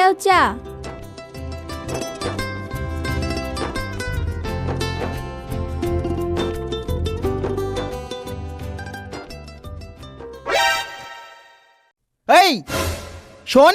লাও চা। এই শোন,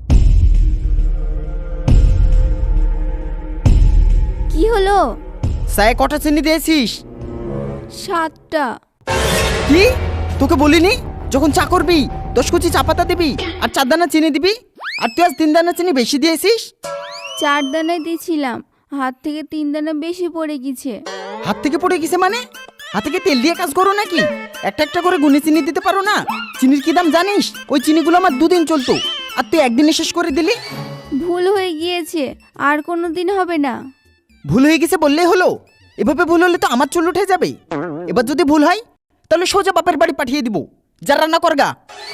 কি হলো? চায়ে কটা চিনি দিয়েছিস? 7টা। কি? তোকে বলিনি যখন চা করবি 10 কুচি চা পাতা দিবি আর 4 দানা চিনি দিবি? আর তুই আজ 3 দানা চিনি বেশি দিয়েছিস। 4 দানাই দিয়েছিলাম, হাত থেকে 3 দানা বেশি পড়ে গেছে। হাত থেকে পড়ে গেছে মানে? হাতে কি তেল দিয়ে কাজ করো নাকি? একটা একটা করে গুনে চিনি দিতে পারো না? চিনির কি দাম জানিস? ওই চিনিগুলো আমার 2 দিন চলতো, আর তুই একদিনে শেষ করে দিলি। ভুল হয়ে গিয়েছে, আর কোনো দিন হবে না। ভুল হয়ে গেছে বললেই হলো? এভাবে ভুল হলে তো আমার চুল উঠে যাবে। এবার যদি ভুল হয় তাহলে সোজা বাপের বাড়ি পাঠিয়ে দিব। যা রান্না করগা।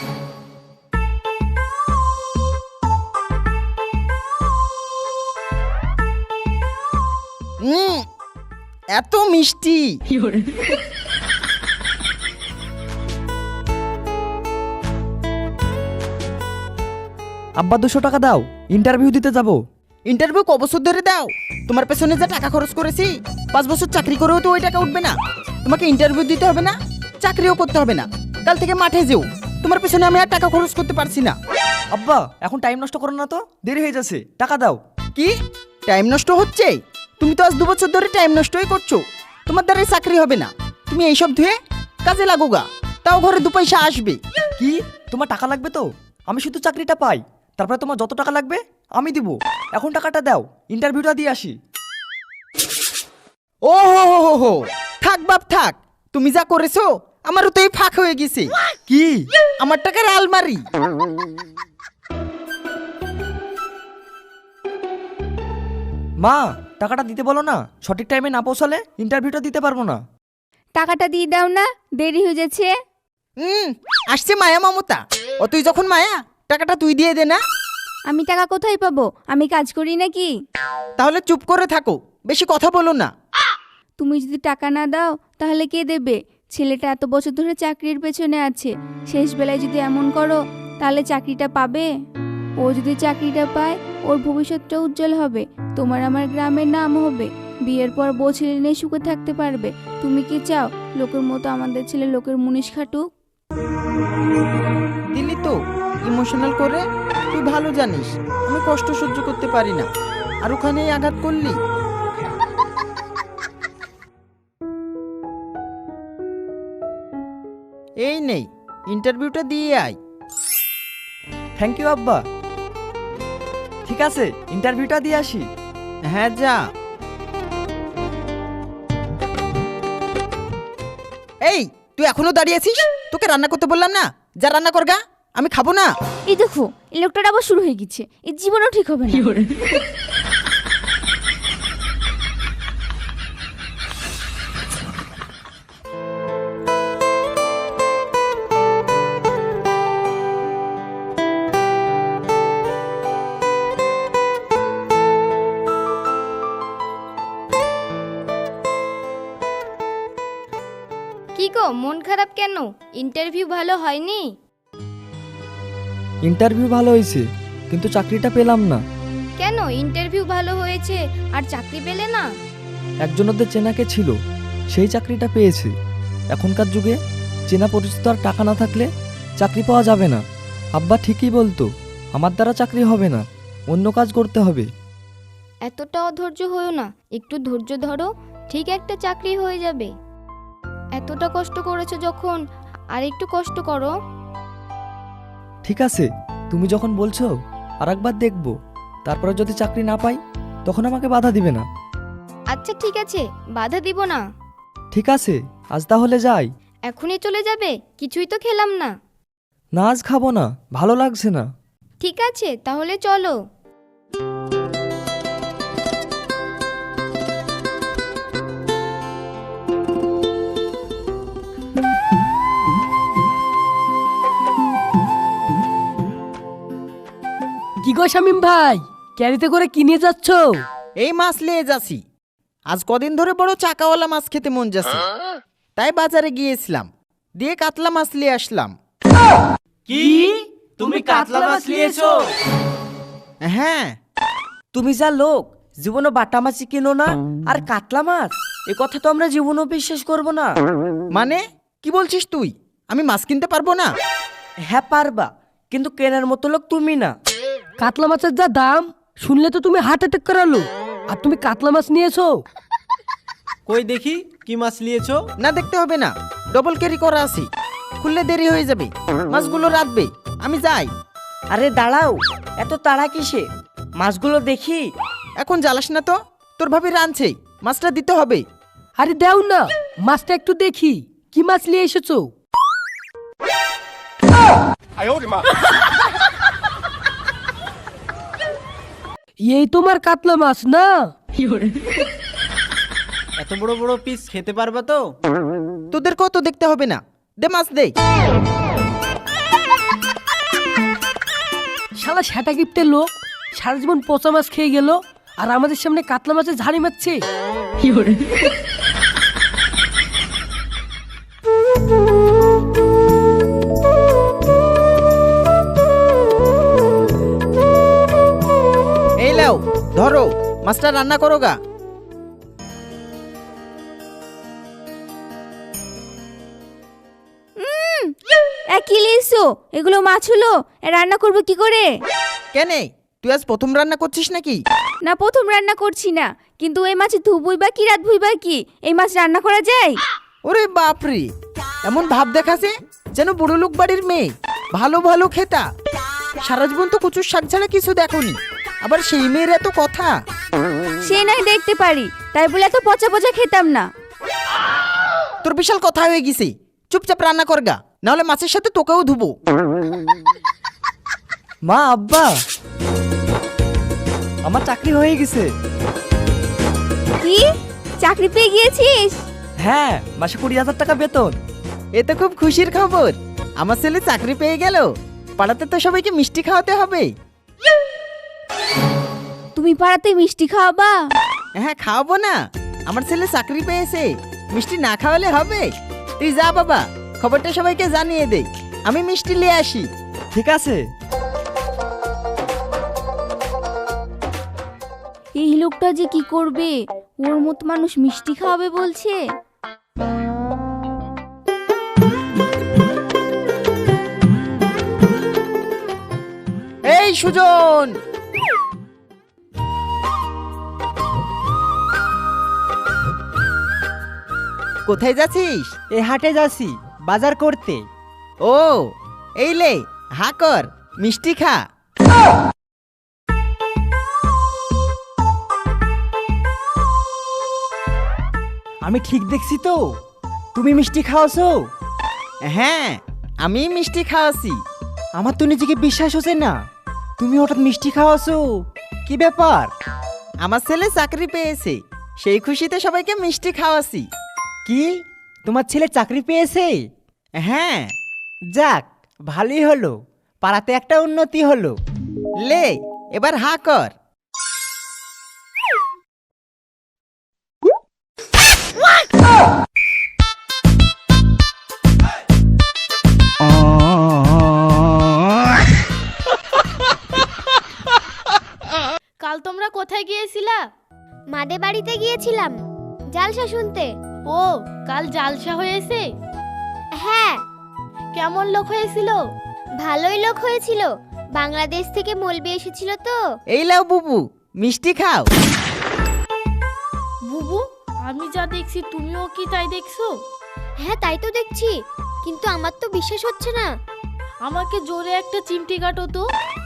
এত মিষ্টি। আব্বা 200 টাকা দাও, ইন্টারভিউ দিতে যাব। ইন্টারভিউ ক বছর ধরে দাও? তোমার পেছনে যা টাকা খরচ করেছি, 5 বছর চাকরি করেও তো ওই টাকা উঠবে না। তোমাকে ইন্টারভিউ দিতে হবে না, চাকরিও করতে হবে না। কাল থেকে মাঠে যেও, তোমার পেছনে আমি আর টাকা খরচ করতে পারছি না। আব্বা এখন টাইম নষ্ট করো না তো, দেরি হয়ে যাচ্ছে, টাকা দাও। কি টাইম নষ্ট হচ্ছে? তুমি তো আজ 2 বছর ধরে টাইম নষ্টই করছো। তোমার দ্বারাই চাকরি হবে না। তুমি এইসব ধুয়ে কাজে লাগোগা, তাও ঘরে 2 পয়সা আসবে। কি তোমার টাকা লাগবে তো? আমি শুধু চাকরিটা পাই, তারপরে তোমার যত টাকা লাগবে আমি দিব। এখন টাকাটা দাও, ইন্টারভিউটা দিয়ে আসি। ও হো হো হো হো, থাক বাপ থাক। তুমি যা করেছো আমারও তো এই ফাঁক হয়ে গেছে। কি? আমার টাকার আলমারি। মা টাকাটা দিতে বলো না, সঠিক টাইমে না পৌঁছালে ইন্টারভিউটা দিতে পারবো না। টাকাটা দিয়ে দাও না, দেরি হয়ে যাচ্ছে। আসছে মায়া মমতা। ও তুই যখন মায়া, টাকাটা তুই দিয়ে দে না। আমি টাকা কোথায় পাবো? আমি কাজ করি নাকি? তাহলে চুপ করে থাকো, বেশি কথা বলো না। তুমি যদি টাকা না দাও তাহলে কে দেবে? ছেলেটা এত বছর ধরে চাকরির পেছনে আছে, শেষ বেলায় যদি এমন করো তাহলে চাকরিটা পাবে? ও যদি চাকরিটা পায় ওর ভবিষ্যৎটা উজ্জ্বল হবে, তোমার আমার গ্রামের নাম হবে, বিয়ের পর বউ ছেলে নিয়ে সুখে থাকতে পারবে। তুমি কি চাও লোকের মতো আমাদের ছেলে লোকের মুনিশ খাটুক? দিলি তো ইমোশনাল করে। তুই ভালো জানিস আমি কষ্ট সহ্য করতে পারি না, আর ওখানেই আঘাত করলি। এই নেই, ইন্টারভিউটা দিয়ে আয়। থ্যাংক ইউ আব্বা। ঠিক আছে, ইন্টারভিউটা দিয়ে আসি। হ্যাঁ যা। এই তুই এখনো দাঁড়িয়ে আছিস? তোকে রান্না করতে বললাম না? যা রান্না করগা, আমি খাবো না। এই দেখো এই লোকটার আবার শুরু হয়ে গেছে, এই জীবনও ঠিক হবে না। কি গো, মন খারাপ কেন? ইন্টারভিউ ভালো হয়নি? ইন্টারভিউ ভালো হয়েছে, কিন্তু চাকরিটা পেলাম না। কেন ইন্টারভিউ ভালো হয়েছে আর চাকরি পেলে না? একজন ওদের চেনাকে ছিল, সেই চাকরিটা পেয়েছে। এখনকার যুগে চেনা পরিচিত আর টাকা না থাকলে চাকরি পাওয়া যাবে না। আব্বা ঠিকই বলতো, আমার দ্বারা চাকরি হবে না, অন্য কাজ করতে হবে। এতটা অধৈর্য হয়েও না, একটু ধৈর্য ধরো, ঠিক একটা চাকরি হয়ে যাবে। এতটা কষ্ট করেছো যখন, আর একটু কষ্ট করো। ঠিক আছে, তুমি যখন বলছো আর একবার দেখবো, তারপরে যদি চাকরি না পাই তখন আমাকে বাধা দিবে না? আচ্ছা ঠিক আছে, বাধা দিব না। ঠিক আছে, আজ তাহলে যাই। এখনই চলে যাবে? কিছুই তো খেলাম না। না আজ খাবো না, ভালো লাগছে না। ঠিক আছে তাহলে চলো। কি গো শামিম ভাই, ক্যারিতে করে কি নিয়ে যাচ্ছ? এই মাছ নিয়ে যাচ্ছি। আজ কদিন ধরে বড় চাকাওয়ালা মাছ খেতে মন যাচ্ছে, তাই বাজারে গিয়েছিলাম, দিয়ে কাতলা মাছ নিয়ে আসলাম। কি? তুমি কাতলা মাছ নিয়েছো? হ্যাঁ। তুমি যা লোক, জীবনে বাটা মাছই কিনো না আর কাতলা মাছ, এ কথা তো আমরা জীবনেও বিশ্বাস করব না। মানে কি বলছিস তুই? আমি মাছ কিনতে পারবো না? হ্যাঁ পারবা, কিন্তু কেনার মতো লোক তুমি না। কাতলা মাছের যা দাম শুনলে তো তুমি হার্ট অ্যাটাক করালো। আর তুমি কাতলা মাছ নিয়েছো? কই দেখি কি মাছ নিয়েছো? না, দেখতে হবে না, ডবল ক্যারি করা আছে। খুললে দেরি হয়ে যাবে, মাছগুলো রাখবে। আমি যাই। আরে দাঁড়াও, এত তাড়া কিসে? মাছগুলো দেখি। এখন জ্বালাস না তো, তোর ভাবি রাঁধছে, মাছটা দিতে হবে। আরে দাও না, মাছটা একটু দেখি। কি মাছ নিয়ে এসেছো? এই তোমার কাতলা মাছ না? এত বড় বড় পিস খেতে পারবা তো? তোদেরকেও তো দেখতে হবে না, দে মাছ দে। শালা সেটা গিফটের লোক সারা জীবন পচা মাছ খেয়ে গেল, আর আমাদের সামনে কাতলা মাছের ঝাড়ি মারছে। এই লাও, ধরো, মাছটা রান্না করো গা। কি লিয়েছো? এগুলো মাছ হলো, রান্না করবো কি করে? কেনে, তুই আজ প্রথম রান্না করছিস নাকি? না, প্রথম রান্না করছি না, কিন্তু এই মাছ ধুবই বা কি রাত ভুই বা কি, এই মাছ রান্না করা যায়? ওরে বাপরে, এমন ভাব দেখাছে যেন বুড়ো লোক বাড়ির মেয়ে, ভালো ভালো খেতা। সারা জীবন তো কচুর শাক ছাড়া কিছু দেখোনি, আবার সেই মেয়ের এত কথা। সে নাই দেখতে পারি, তাই বলে এত পচা পচা খেতাম না। তোর বিশাল কথা হয়ে গেছে, চুপচাপ রান্না কর গা, নাহলে মাছের সাথে তোকেও ধুবো। মা, আব্বা, আমার চাকরি হয়ে গেছে। কি, চাকরি পেয়ে গিয়েছিস? হ্যাঁ, মাসে 20,000 টাকা বেতন। এ তো খুব খুশির খবর। আমার ছেলে চাকরি পেয়ে গেল, পাড়াতে তো সবাইকে মিষ্টি খাওয়াতে হবে। তুমি পাড়াতে মিষ্টি খাওয়াবা? হ্যাঁ, খাওয়াবো না, আমার ছেলে চাকরি পেয়েছে, মিষ্টি না খাওয়ালে হবে? তুই যা বাবা, খবরটা সবাইকে জানিয়ে দে, আমি মিষ্টি নিয়ে আসি। ঠিক আছে। এই লোকটা যে কি করবে, ওর মতো মানুষ মিষ্টি খাওয়াবে বলছে। এই সুজন, কোথায় যাচ্ছিস? এ হাটে যাচ্ছি বাজার করতে। ও, এই লে, হা কর, মিষ্টি খা। আমি ঠিক দেখছি তো? তুমি মিষ্টি খাওয়াছো? হ্যাঁ, আমি মিষ্টি খাওয়াছি। আমার তো নিজেকে বিশ্বাস হচ্ছে না, তুমি হঠাৎ মিষ্টি খাওয়াছো। কি ব্যাপার? আমার ছেলে চাকরি পেয়েছে, সেই খুশিতে সবাইকে মিষ্টি খাওয়াছি। কি, তোমার ছেলে চাকরি পেয়েছে? হ্যাঁ। যাক, ভালোই হলো, পাড়াতে একটা উন্নতি হলো। লে, এবার হা কর। কাল তোমরা কোথায় গিয়েছিলা? মাদে বাড়িতে গিয়েছিলাম জালসা শুনতে। ও, কাল জালসা হয়েছে? হ্যাঁ, কেমন লোক হয়েছিল? ভালোই লোক হয়েছিল, বাংলাদেশ থেকে মলবি এসেছিল তো। এই লাও বুবু, মিষ্টি খাও। বুবু, আমি যা দেখছি তুমিও কি তাই দেখছো? হ্যাঁ, তাই তো দেখছি, কিন্তু আমার তো বিশ্বাস হচ্ছে না। আমাকে জোরে একটা চিমটি কাটো তো।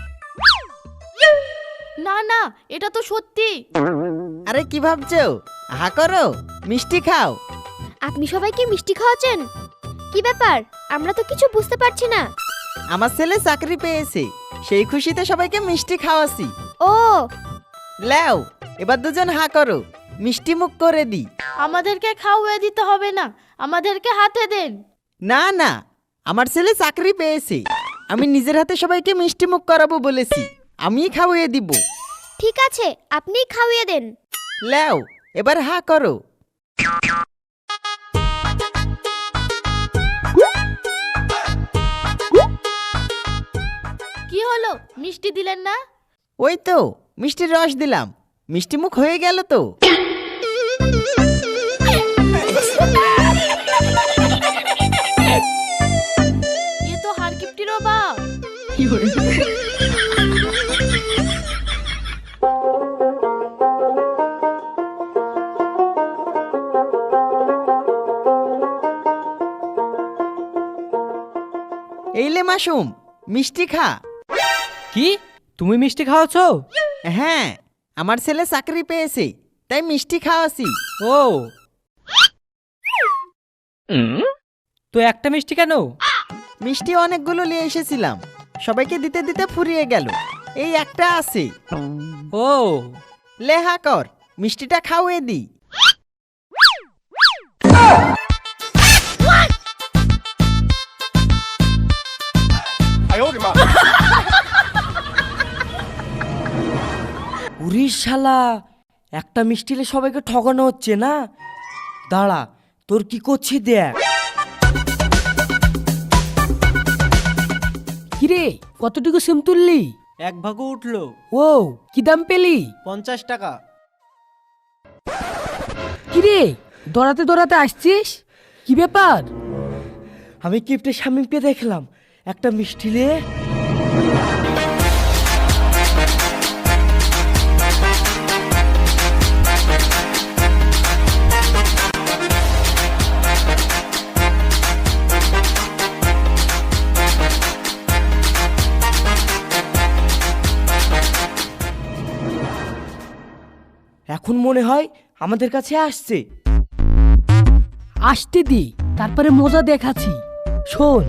না না, এটা তো সত্যি। আরে কি ভাবছো? হা করো, মিষ্টি খাও। আপনি সবাইকে মিষ্টি খাওয়াচ্ছেন? কি ব্যাপার, আমরা তো কিছু বুঝতে পারছি না। আমার ছেলে চাকরি পেয়েছে, সেই খুশিতে সবাইকে মিষ্টি খাওয়াছি। ও, লাও, এবার দুজন হা করো, মিষ্টি মুখ করে দি। আমাদেরকে খাওয়াই দিতে হবে না, আমাদেরকে হাতে দেন। না না, আমার ছেলে চাকরি পেয়েছে, আমি নিজের হাতে সবাইকে মিষ্টি মুখ করাবো বলেছি, আমিই খাওয়িয়ে দিব। ঠিক আছে, আপনিই খাওয়িয়ে দেন। লাও, এবার হা করো। কি হলো, মিষ্টি দিলেন না? ওই তো মিষ্টির রস দিলাম, মিষ্টি মুখ হয়ে গেল তো। এ তো হারকিপ্টিরও বাপ। এইলে মাসুম, মিষ্টি খা। কি তুমি মিষ্টি খাওয়াছো? হ্যাঁ, আমার ছেলে চাকরি পেয়েছে, তাই মিষ্টি খাওয়াছি। ও তো একটা মিষ্টি কেন? মিষ্টি অনেকগুলো নিয়ে এসেছিলাম, সবাইকে দিতে দিতে ফুরিয়ে গেল, এই একটা আছে। ও লেহা কর, মিষ্টিটা খাওয়ে দি। উরি শালা, একটা মিষ্টিলে সবাইকে ঠকানো হচ্ছে না। দাঁড়া, তোর কি করছি দেখ। কিরে কতটুকু সিম তুললি? 1 ভাগও উঠলো। ও কি দাম পেলি? 50 টাকা। কিরে দৌড়াতে দৌড়াতে আসছিস, কি ব্যাপার? আমি কিপ্টের স্বামীকে দেখলাম একটা মিষ্টিলে এখন মনে হয় আমাদের কাছে আসছে। আসতে দি, তারপরে মজা দেখাচ্ছি। শোন,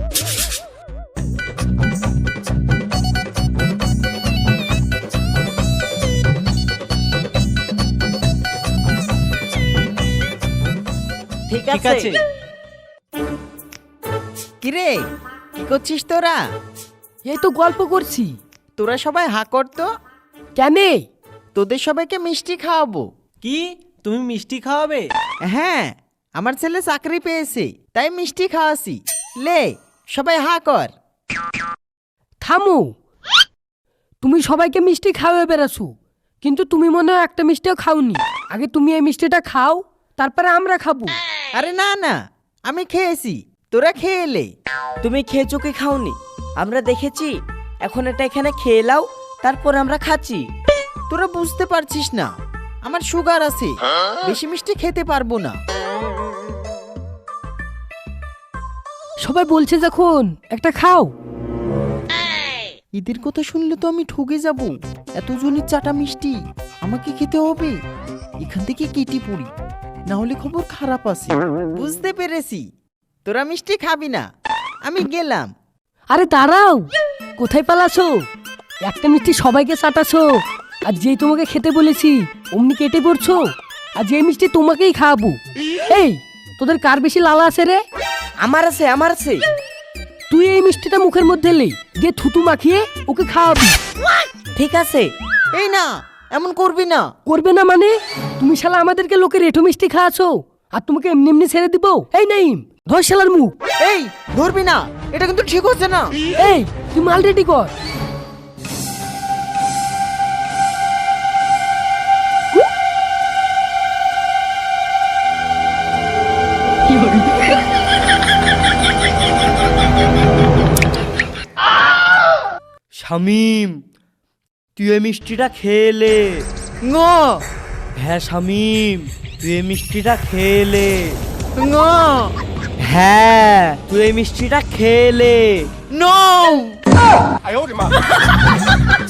ঠিক ঠিক আছে। কিরে, কি করছিস তোরা? এই তো গল্প করছি। তোরা সবাই হা কর তো, কেন? তোদের সবাইকে মিষ্টি খাওয়াবো। কি তুমি মিষ্টি খাওয়াবে? হ্যাঁ, আমার ছেলে চাকরি পেয়েছে, তাই মিষ্টি খাওয়াছি। লে, সবাই হা কর। থামো, তুমি সবাইকে মিষ্টি খাওয়াবে বেড়াছো, কিন্তু তুমি মনে হয় একটা মিষ্টিও খাওনি। আগে তুমি এই মিষ্টিটা খাও, তারপরে আমরা খাবো। আরে না না, আমি খেয়েছি, তোরা খেয়ে এলে। তুমি খেয়েছো কি খাওনি আমরা দেখেছি। এখন এটা এখানে খেয়ে নাও, তারপর আমরা খাচ্ছি। তোরা বুঝতে পারছিস না, আমার সুগার আছে, বেশি মিষ্টি খেতে পারবো না। সবাই বলছে যখন একটা খাও। ঈদের কথা শুনলে তো আমি ঠকে যাব। এতজনের চাটা মিষ্টি আমাকে খেতে হবে, এখান থেকে কেটে পড়ি, না হলে খবর খারাপ আছে। বুঝতে পেরেছি, তোরা মিষ্টি খাবি না, আমি গেলাম। আরে দাঁড়াও, কোথায় পালাছো? একটা মিষ্টি সবাইকে চাটাছো, আর যেই তোমাকে খেতে বলেছি অমনি কেটে পড়ছো। আর যে মিষ্টি তোমাকেই খাওয়াবো। এই তোদের কার বেশি লালা আছে রে? আমার আছে, আমার আছে। তুই এই মিষ্টিটা মুখের মধ্যে লে, দিয়ে থুতু মাখিয়ে ওকে খাওয়াবি। ঠিক আছে। এই না, এমন করবি না। করবে না মানে? তুমি শালা আমাদেরকে লোকের এঁঠো মিষ্টি খাওয়াছো, আর তোমাকে এমনি এমনি ছেড়ে দিব? এই নাইম, ধর শালার মুখ। এই ধরবি না, এটা কিন্তু ঠিক হচ্ছে না। এই তুই মাল রেডি কর। শামিম, তুই এই মিষ্টিটা খেলে। ন হ্যাঁ শামিম, তুই এই মিষ্টিটা খেলে। ন হ্যাঁ, তুই এই মিষ্টিটা খেলে। নো